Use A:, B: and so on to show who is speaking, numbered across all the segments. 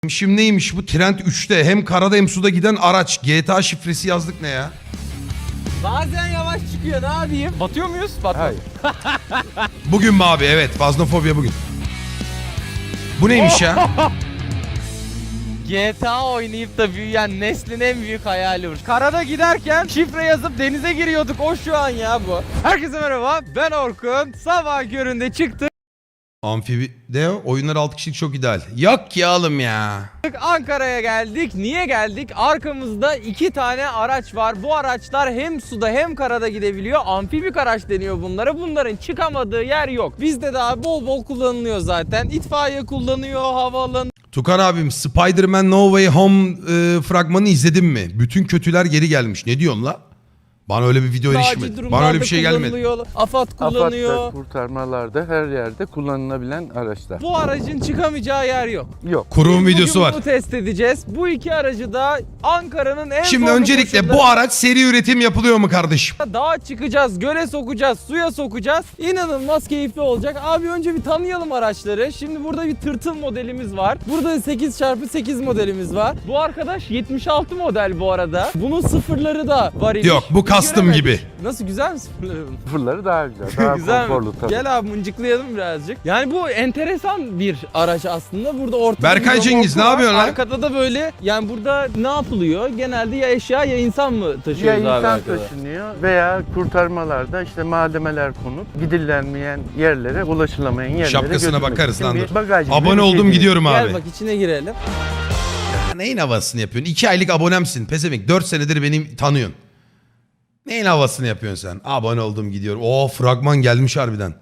A: Şimdi neymiş bu? Trend 3'te hem karada hem suda giden araç. GTA şifresi yazdık ne ya?
B: Bazen yavaş çıkıyor, ne yapayım? Batıyor muyuz? Batmıyor.
A: Bugün mü abi? Evet. Faznofobya bugün. Bu neymiş ya?
B: GTA oynayıp da büyüyen neslin en büyük hayali bu. Karada giderken şifre yazıp denize giriyorduk, o şu an ya bu. Herkese merhaba, ben Orkun. Sabah köründe çıktık.
A: Amfibi de oyunlar 6 kişilik çok ideal. Yok ya oğlum ya.
B: Ankara'ya geldik. Niye geldik? Arkamızda 2 tane araç var. Bu araçlar hem suda hem karada gidebiliyor. Amfibik araç deniyor bunlara. Bunların çıkamadığı yer yok. Bizde daha bol bol kullanılıyor zaten. İtfaiye kullanıyor, havaalanı.
A: Tukan abim Spider-Man No Way Home fragmanı izledin mi? Bütün kötüler geri gelmiş. Ne diyorsun la? Bana öyle bir video erişmedi. Bana öyle bir şey gelmedi.
B: AFAD kullanıyor.
C: AFAD'da, kurtarmalarda, her yerde kullanılabilen araçlar.
B: Bu aracın çıkamayacağı yer yok.
C: Yok.
A: Kurum
B: Biz
A: videosu
B: bugün
A: var.
B: bunu test edeceğiz. Bu iki aracı da Ankara'nın en
A: Şimdi
B: zorlu
A: öncelikle
B: koşulları-
A: bu araç seri üretim yapılıyor mu kardeşim?
B: Dağa çıkacağız, göle sokacağız, suya sokacağız. İnanılmaz keyifli olacak. Abi önce bir tanıyalım araçları. Şimdi burada bir tırtıl modelimiz var. Burada 8x8 modelimiz var. Bu arkadaş 76 model bu arada. Bunun sıfırları da var imiş.
A: Yok bu
B: Biz
A: custom
B: göremedik.
A: gibi.
B: Nasıl, güzel mi sıfırları bunun?
C: Sıfırları daha güzel, daha
B: Güzel mi?
C: konforlu tabii.
B: Gel abi mıncıklayalım birazcık. Yani bu enteresan bir araç aslında. Burada ortada
A: Berkay
B: bir
A: Cengiz,
B: remorku
A: ne
B: var.
A: yapıyorsun lan?
B: Arkada da böyle, yani burada ne yapılıyor? Genelde ya eşya ya insan mı
C: Ya
B: taşıyoruz abi
C: insan
B: arkada?
C: taşınıyor veya kurtarmalarda işte malzemeler konup gidilenmeyen yerlere, ulaşılamayan yerlere
A: Şapkasına
C: götürmek
A: bakarız
C: için
A: lan
C: bir
A: dur.
C: bagaj gibi
A: Abone
C: bir
A: oldum
C: şey
A: gidiyorum abi.
B: Gel bak içine girelim.
A: Ya neyin havasını yapıyorsun? 2 aylık abonemsin. Pezevenk 4 senedir beni tanıyorsun. Neyin havasını yapıyorsun sen? Abone oldum gidiyorum. Oo fragman gelmiş harbiden.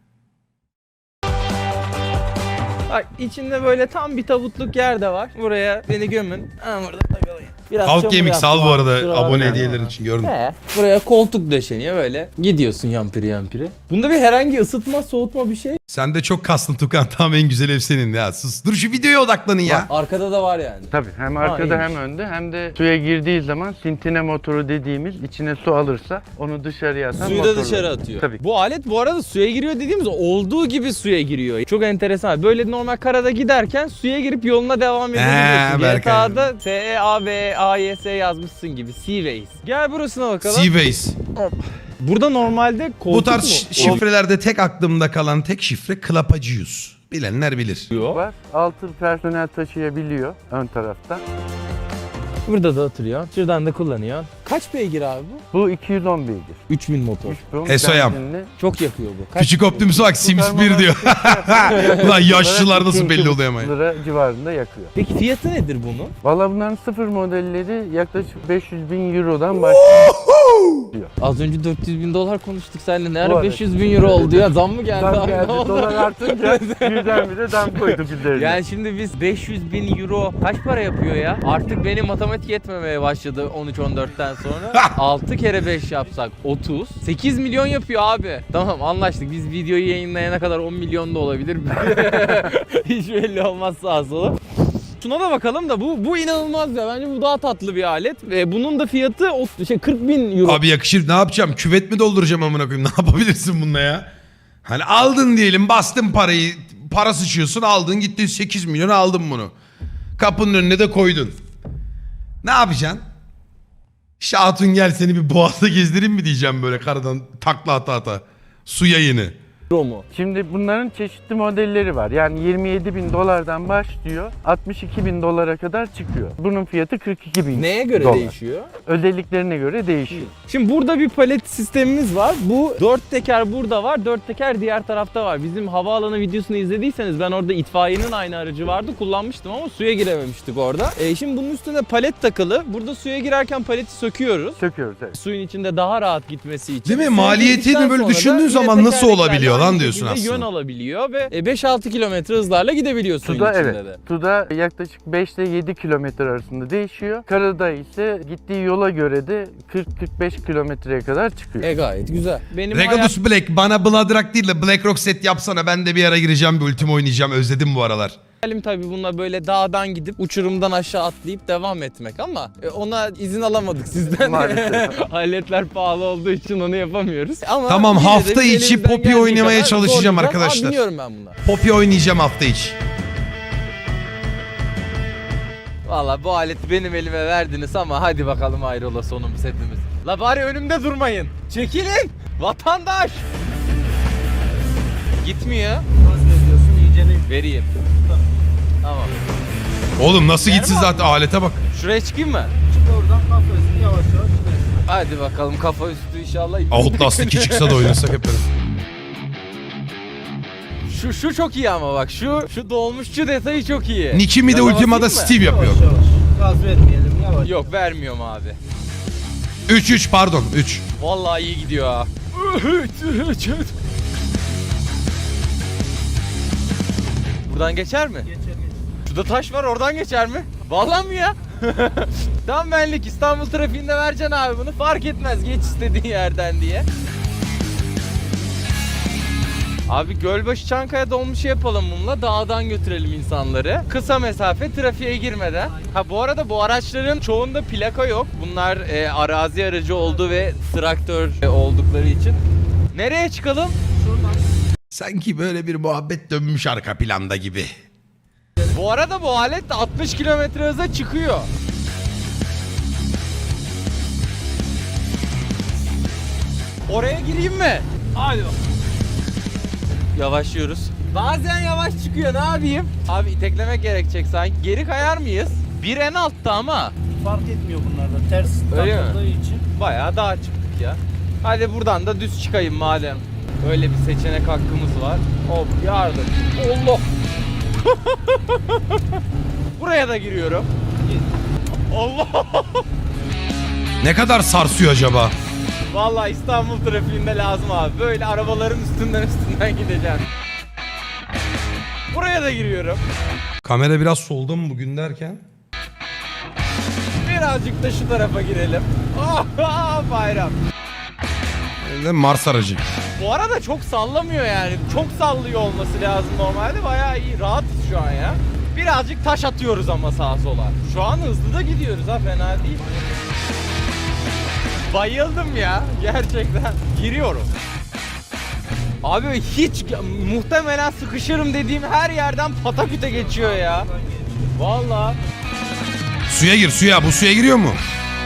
B: Bak içinde böyle tam bir tabutluk yer de var. Buraya beni gömün. Ha, burada takılayım. Biraz
A: Halk
B: çamur
A: Gemik
B: yaptım
A: sal bu
B: abi,
A: arada
B: kusura
A: abone
B: bakma.
A: hediyelerin için gördüm.
B: Buraya koltuk döşeniyor böyle. Gidiyorsun yampiri yampiri. Bunda bir herhangi ısıtma soğutma bir şey.
A: Sen de çok kastın Tukan. Tamam en güzel ev senin ya. Sus. Dur şu videoya odaklanın ya.
B: Arkada da var yani.
C: Tabii hem arkada
B: iyiymiş.
C: hem önde hem de suya girdiği zaman sintine motoru dediğimiz içine su alırsa onu dışarıya atan
B: Suyu da
C: motorlar.
B: dışarı atıyor.
C: Tabii.
B: Bu alet bu arada suya giriyor dediğimiz olduğu gibi suya giriyor. Çok enteresan. Böyle normal karada giderken suya girip yoluna devam edebiliyorsun.
A: Berkay.
B: GTA'da S-E-A-B-A-Y-S yazmışsın gibi. Seaways. Gel burasına bakalım.
A: Seaways.
B: Burada normalde koltuk
A: Bu tarz
B: mu?
A: şifrelerde tek aklımda kalan tek şifre Klapacıyuz. Bilenler bilir.
B: Oluyor.
C: Var. 6 personel taşıyabiliyor ön tarafta.
B: Burada da oturuyor. Şuradan da kullanıyor. Kaç beygir abi bu?
C: Bu 210 beygir.
B: 3000 motor.
C: 3
A: Esoyam.
B: Çok yakıyor bu. Kaç
A: Küçük Optimus'a bak Sims 1 diyor. Ulan yaşlılar nasıl belli oluyor ama.
C: lira civarında yakıyor.
B: Peki fiyatı nedir bunun?
C: Valla bunların sıfır modelleri yaklaşık 500 bin eurodan başlıyor.
B: Az önce 400 bin dolar konuştuk seninle. Ne
C: Bu
B: ara
C: arada.
B: 500 bin euro oldu ya? Zam mı geldi
C: Zam
B: abi?
C: geldi,
B: Ne oldu?
C: dolar artınca birdenbire dam koydu üzerine.
B: Yani şimdi biz 500 bin euro kaç para yapıyor ya? Artık benim matematik yetmemeye başladı 13-14'ten sonra. 6 kere 5 yapsak 30. 8 milyon yapıyor abi. Tamam anlaştık. Biz videoyu yayınlayana kadar 10 milyon da olabilir. Hiç belli olmaz sağa sola. Şuna da bakalım da bu inanılmaz ya. Bence bu daha tatlı bir alet. Ve bunun da fiyatı 40 bin euro.
A: Abi yakışır ne yapacağım? Küvet mi dolduracağım amına koyayım? Ne yapabilirsin bununla ya? Hani aldın diyelim bastın parayı. Para sıçıyorsun aldın gittin 8 milyon aldın bunu. Kapının önüne de koydun. Ne yapacaksın? İşte Hatun gel seni bir boğazda gezdireyim mi diyeceğim böyle karadan takla ata ata. Su yayını.
B: Euro mu?
C: Şimdi bunların çeşitli modelleri var. Yani 27 bin dolardan başlıyor, 62 bin dolara kadar çıkıyor. Bunun fiyatı 42 bin
B: Neye göre
C: dolar.
B: değişiyor?
C: Özelliklerine göre değişiyor.
B: Şimdi burada bir palet sistemimiz var. Bu 4 teker burada var, 4 teker diğer tarafta var. Bizim havaalanı videosunu izlediyseniz ben orada itfaiyenin aynı aracı vardı. Kullanmıştım ama suya girememiştik orada. Şimdi bunun üstüne palet takılı. Burada suya girerken paleti söküyoruz.
C: Söküyoruz evet.
B: Suyun içinde daha rahat gitmesi için.
A: Değil mi?
B: Suya
A: Maliyetini
B: girdikten
A: böyle
B: sonra da
A: düşündüğün
B: yine
A: zaman nasıl
B: tekerleklerle
A: olabiliyor lan
B: aynı
A: diyorsun
B: şekilde
A: aslında.
B: Yön alabiliyor ve 5-6 kilometre hızlarla gidebiliyor suyun
C: Suda
B: içinde
C: evet.
B: de.
C: Suda yaklaşık 5 ile 7 kilometre arasında değişiyor. Karada ise gittiği yola göre de 40-45 kilometreye kadar çıkıyor.
B: Gayet güzel. Benim
A: Regulus Black bana Bloodrock değil de Black Rock set yapsana ben de bir ara gireceğim bir ultim oynayacağım özledim bu aralar.
B: hayalim tabii bununla böyle dağdan gidip uçurumdan aşağı atlayıp devam etmek ama ona izin alamadık sizden.
C: Maalesef.
B: Aletler pahalı olduğu için onu yapamıyoruz. Ama
A: Tamam,
B: yine de
A: hafta
B: biz
A: içi
B: elimizden
A: Poppy
B: geldiği
A: oynamaya
B: kadar
A: çalışacağım
B: zorlayacağız.
A: arkadaşlar.
B: Biniyorum ben buna.
A: Poppy oynayacağım hafta içi.
B: Valla bu aleti benim elime verdiniz ama hadi bakalım hayrola sonumuz hepimiz. La bari önümde durmayın. Çekilin. Vatandaş. Gitmiyor.
D: Vazgeçiyorsun iyicene.
B: Vereyim. Tamam.
A: Oğlum nasıl gitsin
B: Verme
A: zaten alete bak.
B: Şuraya çıkayım mı?
D: Çık oradan kafasını yavaş yavaş gidersin.
B: Hadi bakalım kafa üstü inşallah.
A: Outlast 2 çıksa da oynasak hep beraber.
B: Şu çok iyi ama bak şu dolmuşçu detayı çok iyi.
A: Nikimi de
B: Gaza
A: Ultima'da
B: basayım mı?
A: Steve yapıyor.
D: Yavaş yavaş. Gaz vermeyelim yavaş.
B: Yok vermiyorum abi.
A: 3 pardon 3.
B: Vallahi iyi gidiyor ha. Buradan geçer mi?
D: Geçer geçer.
B: Şurada taş var oradan geçer mi? Vallahi mi ya? Tam benlik İstanbul trafiğinde vereceksin abi bunu fark etmez geç istediğin yerden diye. Abi Gölbaşı Çankaya dolmuşu yapalım bununla dağdan götürelim insanları. Kısa mesafe trafiğe girmeden. Ha bu arada bu araçların çoğunda plaka yok. Bunlar arazi aracı olduğu ve traktör oldukları için. Nereye çıkalım?
D: Şuradan.
A: Sanki böyle bir muhabbet dönmüş arka planda gibi.
B: Bu arada bu alet de 60 km hıza çıkıyor. Oraya gireyim mi? Hadi bak. Yavaşlıyoruz. Bazen yavaş çıkıyor ne yapayım? Abi iteklemek gerekecek sanki. Geri kayar mıyız? Bir en altta ama.
D: Fark etmiyor bunlarda. Ters
B: Öyle mi?
D: takıldığı için.
B: Bayağı daha çıktık ya. Hadi buradan da düz çıkayım madem. Öyle bir seçenek hakkımız var. Hop yardım. Allah. Buraya da giriyorum. Allah.
A: Ne kadar sarsıyor acaba?
B: Vallahi İstanbul trafiğinde lazım abi. Böyle arabaların üstünden gideceğim. Buraya da giriyorum.
A: Kamera biraz solda mı bugün derken?
B: Birazcık da şu tarafa girelim. Oh, bayram.
A: Mars aracı.
B: Bu arada çok sallamıyor yani. Çok sallıyor olması lazım normalde. Bayağı iyi. Rahatız şu an ya. Birazcık taş atıyoruz ama sağa sola. Şu an hızlı da gidiyoruz ha fena değil. Bayıldım ya gerçekten. Giriyorum. Abi hiç muhtemelen sıkışırım dediğim her yerden pataküte geçiyor ya. Vallahi.
A: Suya gir suya. Bu suya giriyor mu?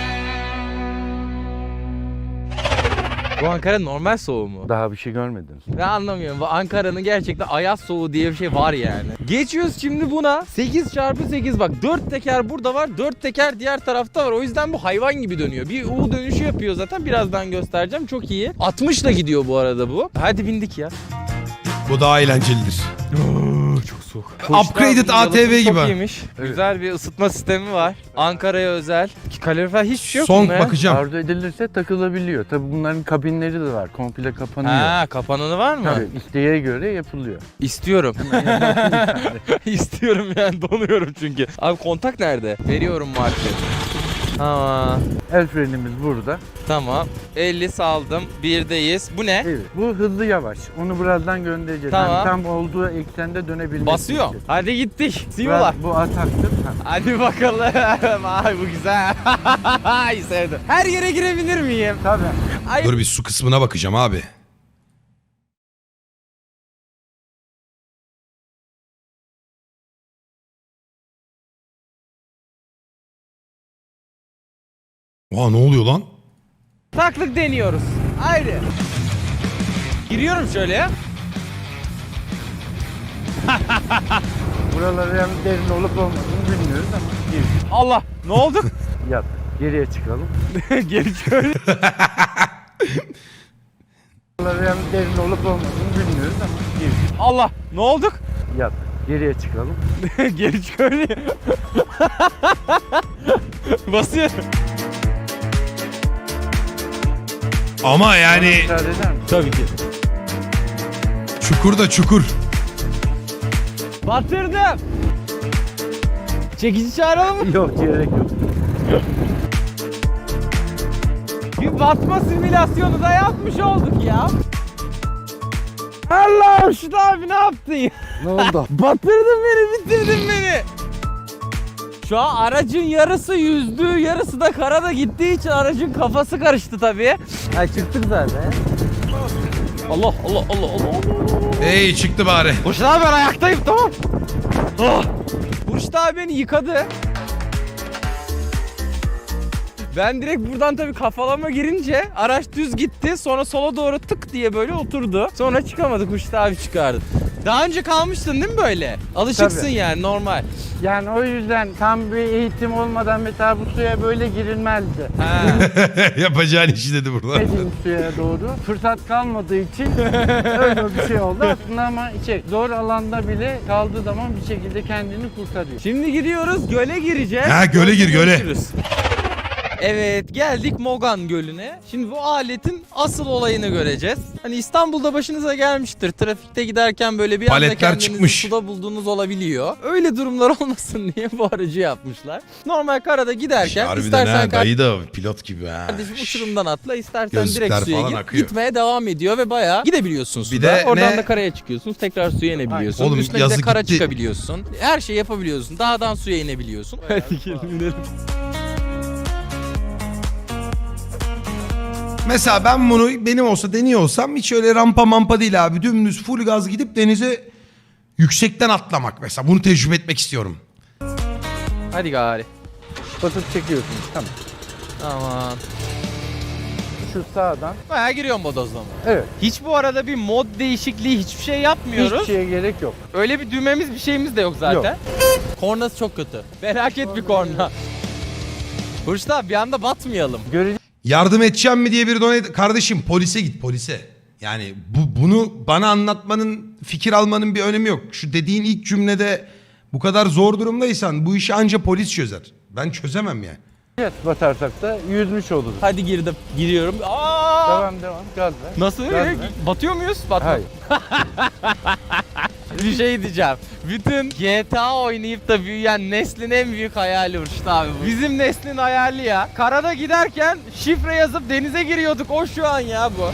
B: Bu Ankara normal soğuğu mu?
C: Daha bir şey görmediniz.
B: Ben anlamıyorum. Bu Ankara'nın gerçekten ayaz soğuğu diye bir şey var yani. Geçiyoruz şimdi buna. 8x8 bak 4 teker burada var. 4 teker diğer tarafta var. O yüzden bu hayvan gibi dönüyor. Bir U dönüşü yapıyor zaten. Birazdan göstereceğim. Çok iyi. 60 ile gidiyor bu arada bu. Hadi bindik ya.
A: Bu daha eğlencelidir.
B: Çok soğuk.
A: Upgraded ATV gibi.
B: Çok iyiymiş. Güzel bir ısıtma sistemi var. Ankara'ya özel. Kalorifer hiçbir şey yok
A: Son
B: bunda ya.
A: bakacağım.
C: Arzu edilirse takılabiliyor. Tabii bunların kabinleri de var. Komple kapanıyor.
B: Ha, kapananı var mı?
C: Tabii isteğe göre yapılıyor.
B: İstiyorum. İstiyorum yani donuyorum çünkü. Abi kontak nerede? Veriyorum marşı. Tamam.
C: El frenimiz burada.
B: Tamam. 50 saldım. Birdeyiz. Bu ne?
C: Evet. Bu hızlı yavaş. Onu birazdan göndereceğiz.
B: Tamam.
C: Yani tam olduğu eksende dönebilmek
B: Basıyor.
C: için.
B: Hadi gittik. Siyolar.
C: Bu ataktır. Ha.
B: Hadi bakalım. Ay bu güzel. Ay sevdim. Her yere girebilir miyim?
C: Tabii.
B: Ay.
A: Dur bir su kısmına bakacağım abi. Oha ne oluyor lan?
B: Taklık deniyoruz. Haydi. Giriyorum şöyle ya.
C: Buraları yani derin olup olmadığını bilmiyoruz ama gir.
B: Allah. Ne oldu?
C: Yat. Geriye çıkalım.
B: Geri şöyle.
C: Buraları yani derin olup olmadığını bilmiyoruz ama gir.
B: Allah. Ne olduk?
C: Yat. Geriye çıkalım.
B: Geri şöyle. Basıyorum.
A: Ama yani
C: Müsaade eder misin?
B: Tabii ki.
A: çukur da çukur.
B: Batırdım. Çekici çağıralım mı?
C: Yok gerek yok.
B: Bir batma simülasyonu da yapmış olduk ya. Allah'ım şu abi ne yaptın ya?
C: Ne oldu?
B: Batırdın beni, bitirdin beni. Şu an aracın yarısı yüzdü, yarısı da karada gittiği için aracın kafası karıştı tabii. Ha çıktık zaten. Allah Allah Allah Allah.
A: Ey çıktı bari.
B: Burçta abi ben ayaktayım tamam. Oh. Burçta abi beni yıkadı. Ben direkt buradan tabii kafalama girince araç düz gitti. Sonra sola doğru tık diye böyle oturdu. Sonra çıkamadık, Huşt abi çıkardı. Daha önce kalmıştın değil mi böyle? Alışıksın
C: Tabii.
B: yani, normal.
C: Yani o yüzden tam bir eğitim olmadan mesela bu suya böyle girilmezdi.
B: Ha.
A: Yapacağın işi dedi burada.
C: Gitmediğim suya doğru. Fırsat kalmadığı için öyle bir şey oldu aslında ama zor alanda bile kaldığı zaman bir şekilde kendini kurtarıyor.
B: Şimdi gidiyoruz, göle gireceğiz.
A: Ha, göle gir, göle.
B: Görüşürüz. Evet, geldik Mogan Gölü'ne. Şimdi bu aletin asıl olayını göreceğiz. Hani İstanbul'da başınıza gelmiştir. Trafikte giderken böyle bir anda
A: Paletler
B: kendinizi
A: çıkmış.
B: suda bulduğunuz olabiliyor. Öyle durumlar olmasın diye bu aracı yapmışlar. Normal karada giderken
A: Harbiden
B: istersen
A: ha, dayı da pilot gibi ha.
B: kardeşim uçurumdan atla, istersen
A: Gözlükler
B: direkt suya
A: falan
B: gir.
A: akıyor.
B: Gitmeye devam ediyor ve bayağı gidebiliyorsun suda.
A: de
B: Oradan
A: ne?
B: da karaya çıkıyorsun. Tekrar suya inebiliyorsun.
A: Oğlum,
B: Üstüne bir
A: yazı
B: de kara
A: gitti.
B: çıkabiliyorsun. Her şeyi yapabiliyorsun. Dağdan suya inebiliyorsun. Hadi gelin gidelim.
A: Mesela ben bunu benim olsa deniyor olsam hiç öyle rampa mampa değil abi. Dümdüz full gaz gidip denize yüksekten atlamak mesela. Bunu tecrübe etmek istiyorum.
B: Hadi gari.
C: Basıp çekiyorsunuz. Tamam.
B: Aman.
C: Şu sağdan.
B: Bayağı giriyorum bodozlama.
C: Evet.
B: Hiç bu arada bir mod değişikliği, hiçbir şey yapmıyoruz.
C: Hiçbir şeye gerek yok.
B: Öyle bir düğmemiz, bir şeyimiz de yok zaten. Kornası çok kötü. Felaket bir korna. Hurşit abi bir anda batmayalım.
A: Yardım edeceğim mi diye bir donate... Kardeşim polise git, polise. Yani bunu bana anlatmanın, fikir almanın bir önemi yok. Şu dediğin ilk cümlede bu kadar zor durumdaysan bu işi anca polis çözer. Ben çözemem yani.
C: Evet, batarsak da yüzmüş oluruz.
B: Hadi girdim. Giriyorum. Aa!
C: Devam. Gaz ver.
B: Nasıl?
C: Gaz ver.
B: Batıyor muyuz? Batma.
C: Hayır.
B: Bir şey diyeceğim. Bütün GTA oynayıp da büyüyen neslin en büyük hayali Hurşit abi bu. Bizim neslin hayali ya. Karada giderken şifre yazıp denize giriyorduk. O şu an ya bu.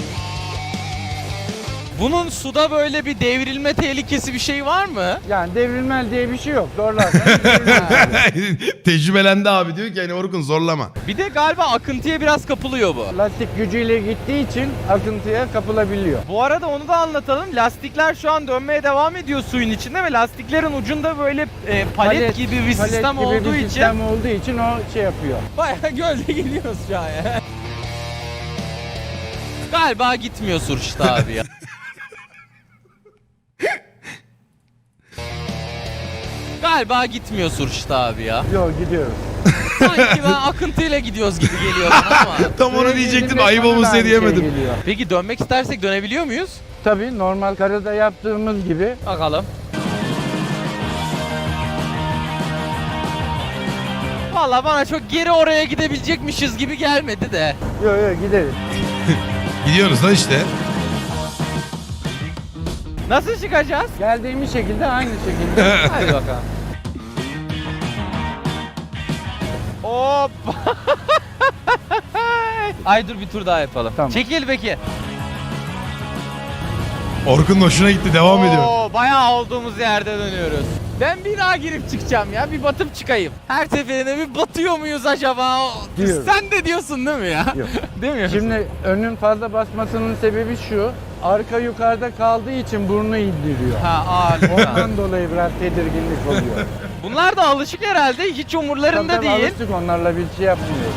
B: Bunun suda böyle bir devrilme tehlikesi bir şey var mı?
C: Yani devrilmel diye bir şey yok. Zorlarsan devrilmez.
A: Tecrübelendi abi, diyor ki hani Orkun zorlama.
B: Bir de galiba akıntıya biraz kapılıyor bu.
C: Lastik gücüyle gittiği için akıntıya kapılabiliyor.
B: Bu arada onu da anlatalım. Lastikler şu an dönmeye devam ediyor suyun içinde ve lastiklerin ucunda böyle palet gibi bir
C: palet
B: sistem
C: gibi
B: olduğu
C: bir
B: için
C: sistem olduğu için o şey yapıyor.
B: bayağı gölde gidiyoruz şu an ya. Galiba gitmiyor Hurşit abi ya. Galiba gitmiyor Hurşit abi ya.
C: Yok gidiyoruz.
B: Sanki ben akıntıyla gidiyoruz gibi geliyor bana ama.
A: Tam onu
C: Buraya
A: diyecektim,
C: geldiğinde
A: ayıp
C: bana da
A: olmasın
C: aynı
A: diye
C: şey
A: diyemedim.
C: geliyor.
B: Peki dönmek istersek dönebiliyor muyuz?
C: Tabii normal karada yaptığımız gibi.
B: Bakalım. Valla bana çok geri oraya gidebilecekmişiz gibi gelmedi de.
C: Yok gideriz.
A: Gidiyoruz lan işte.
B: Nasıl çıkacağız?
C: Geldiğimiz şekilde aynı şekilde.
B: Hadi bakalım. Hop. Ay dur bir tur daha yapalım.
C: Tamam.
B: Çekil peki.
A: Orkun'un hoşuna gitti, devam ediyor.
B: Oo, bayağı olduğumuz yerde dönüyoruz. Ben bir daha girip çıkacağım ya. Bir batıp çıkayım. Her seferinde bir batıyor muyuz acaba?
C: Diyorum.
B: Sen de diyorsun değil mi ya?
C: Yok.
B: Değil mi?
C: Şimdi önün fazla basmasının sebebi şu. Arka yukarıda kaldığı için burnu indiriyor.
B: Ha ağır.
C: Ondan dolayı biraz tedirginlik oluyor.
B: Bunlar da alışık herhalde. Hiç umurlarında
C: Tabii
B: değil.
C: alıştık, onlarla bir şey yapmıyoruz.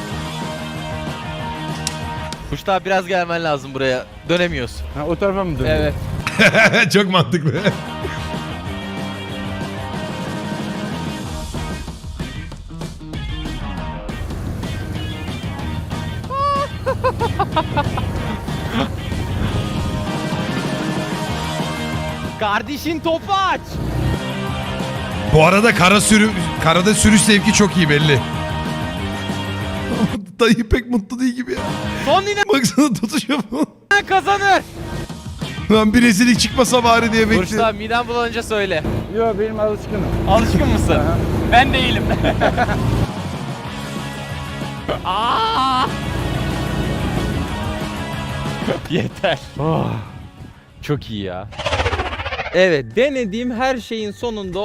B: Kuşta abi biraz gelmen lazım buraya. Dönemiyoruz.
C: Ha, o tarafa mı dönüyor?
B: Evet.
A: Çok mantıklı.
B: Kardeşin topu aç.
A: Bu arada karada sürüş zevki çok iyi belli. Dayı pek mutlu değil gibi ya.
B: Son inen
A: Baksana tutuşuyor bu.
B: kazanır.
A: Lan bir rezillik çıkmasa bari diye
B: Burçta
A: bekliyorum.
B: midem bulanınca söyle.
C: Yok benim alışkınım.
B: Alışkın mısın?
C: Aha.
B: Ben değilim. Aa! Yeter. Oh, çok iyi ya. Evet, denediğim her şeyin sonunda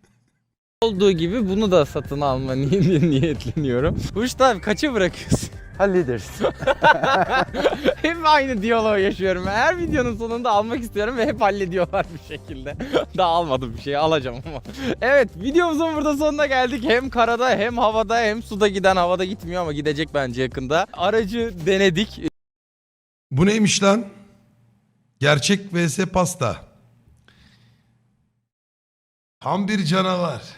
B: olduğu gibi bunu da satın alma niyetleniyorum. Burçta abi kaça bırakıyorsun?
C: hallederiz.
B: Hep aynı diyaloğu yaşıyorum. Her videonun sonunda almak istiyorum ve hep hallediyorlar bir şekilde. Daha almadım bir şey, alacağım ama. Evet, videomuzun burada sonuna geldik. Hem karada hem havada hem suda giden, havada gitmiyor ama gidecek bence yakında. Aracı denedik.
A: Bu neymiş lan? Gerçek vs pasta. Tam bir canavar.